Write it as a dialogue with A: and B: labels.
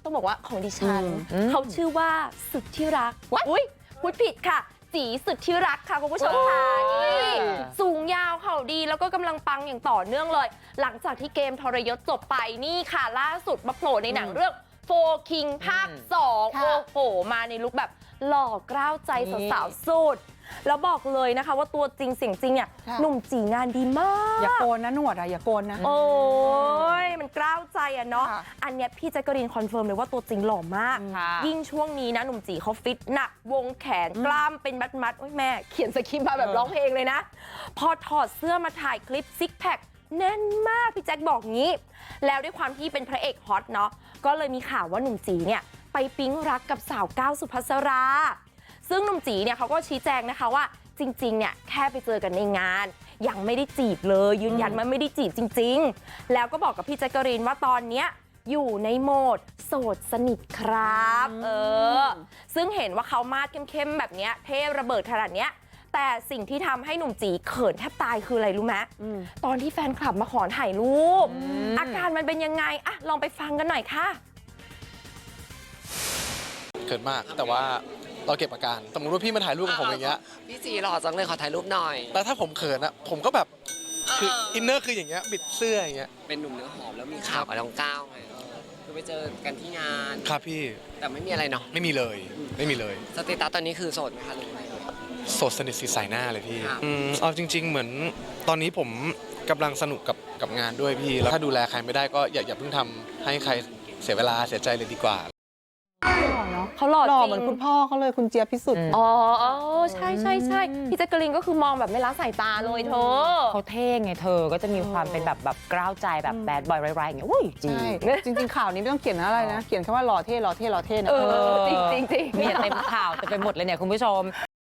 A: ต้องบอกว่าของดิฉันเขาชื่อว่าสุดที่รักอุ้ยพูดผิดค่ะจีสุดที่รักค่ะคุณผู้ชมค่ะนี่สูงยาวเข่าดีแล้วก็กำลังปังอย่างต่อเนื่องเลยหลังจากที่เกมทรยศจบไปนี่ค่ะล่าสุดมาโผล่ในหนังเรื่องโฟคิงภาค2โอ้โหมาในลุคแบบหล่อกล้าวใจสาวๆสุดแล้วบอกเลยนะคะว่าตัวจริงเสียงจริงเนี่ยหนุ่มจีงานดีมาก
B: อย่าโกนนะหนวดอย่าโกนนะ
A: โอ้ยมันกล้าวใจอะเนาะอันเนี้ยพี่แจ๊กกะรีนคอนเฟิร์มเลยว่าตัวจริงหล่อมากยิ่งช่วงนี้นะหนุ่มจีเขาฟิตหนักวงแขนกล้ามเป็นมัดโอ้ยแม่เขียนสคริปต์มาแบบร้องเพลงเลยนะพอถอดเสื้อมาถ่ายคลิปซิกแพคแน่นมากพี่แจ๊คบอกงี้แล้วด้วยความที่เป็นพระเอกฮอตเนาะก็เลยมีข่าวว่าหนุ่มจีเนี่ยไปปิ๊งรักกับสาวก้าวสุภัสราซึ่งหนุ่มจีเนี่ยเขาก็ชี้แจงนะคะว่าจริงๆเนี่ยแค่ไปเจอกันในงานยังไม่ได้จีบเลยยืนยันว่าไม่ได้จีบจริงๆแล้วก็บอกกับพี่แจ๊กกะรีนว่าตอนเนี้ยอยู่ในโหมดโสดสนิทครับซึ่งเห็นว่าเขามาดเข้มๆแบบเนี้ยเท่ระเบิดขนาดเนี้ยแต่สิ่งที่ทำให้หนุ่มจีเขินแทบตายคืออะไรรู้ไหมตอนที่แฟนคลับมาขอถ่ายรูปอาการมันเป็นยังไงอะลองไปฟังกันหน่อยค่ะ
C: เขินมากแต่ว่าเราเก็บอาการสมมติว่าพี่มาถ่ายรูปกับผมอย่างเงี้ย
D: พี่จีหล่อจังเลยขอถ่ายรูปหน่อย
C: แล้วถ้าผมเขินอะผมก็แบบคืออินเนอร์คืออย่างเงี้ยบิดเสื้ออย่างเงี้ย
D: เป็นหนุ่มเนื้อหอมแล้วมีข่าวกับน้องก้าวไงคือไปเจอกันที่งาน
C: ครับพี่
D: แต่ไม่มีอะไรเนาะ
C: ไม่มีเลยไม่มีเลย
D: สเตตัสตอนนี้คือโสดไหมคะหรือไง
C: โสดสนิทสีใสหน้าเลยพี่เอาจริงๆเหมือนตอนนี้ผมกำลังสนุกกับงานด้วยพี่แล้วถ้าดูแลใครไม่ได้ก็อย่าเพิ่งทำให้ใครเสียเวลาเสียใจเลยดีกว่า
A: เขาหล่อจริง
B: เหมือนคุณพ่อเขาเลยคุณเจี๊ยบพิสุทธิ์
A: อ๋อใช่พี่แจ๊กกะลินก็คือมองแบบไม่ละสายตาเลยเธอ
E: เขาเท่ไงเธอก็จะมีความเป็นแบบกล้าวใจแบบแบดบอยไรๆอย่างเงี้ยอุ้ย
B: จริงข่าวนี้ไม่ต้องเขียนอะไรนะเขียนแค่ว่าหล่อเท่นะ
A: จริง
E: เนี่ยเต็มข่าวเต็มไปหมดเลยเนี่ยคุณผู้ชม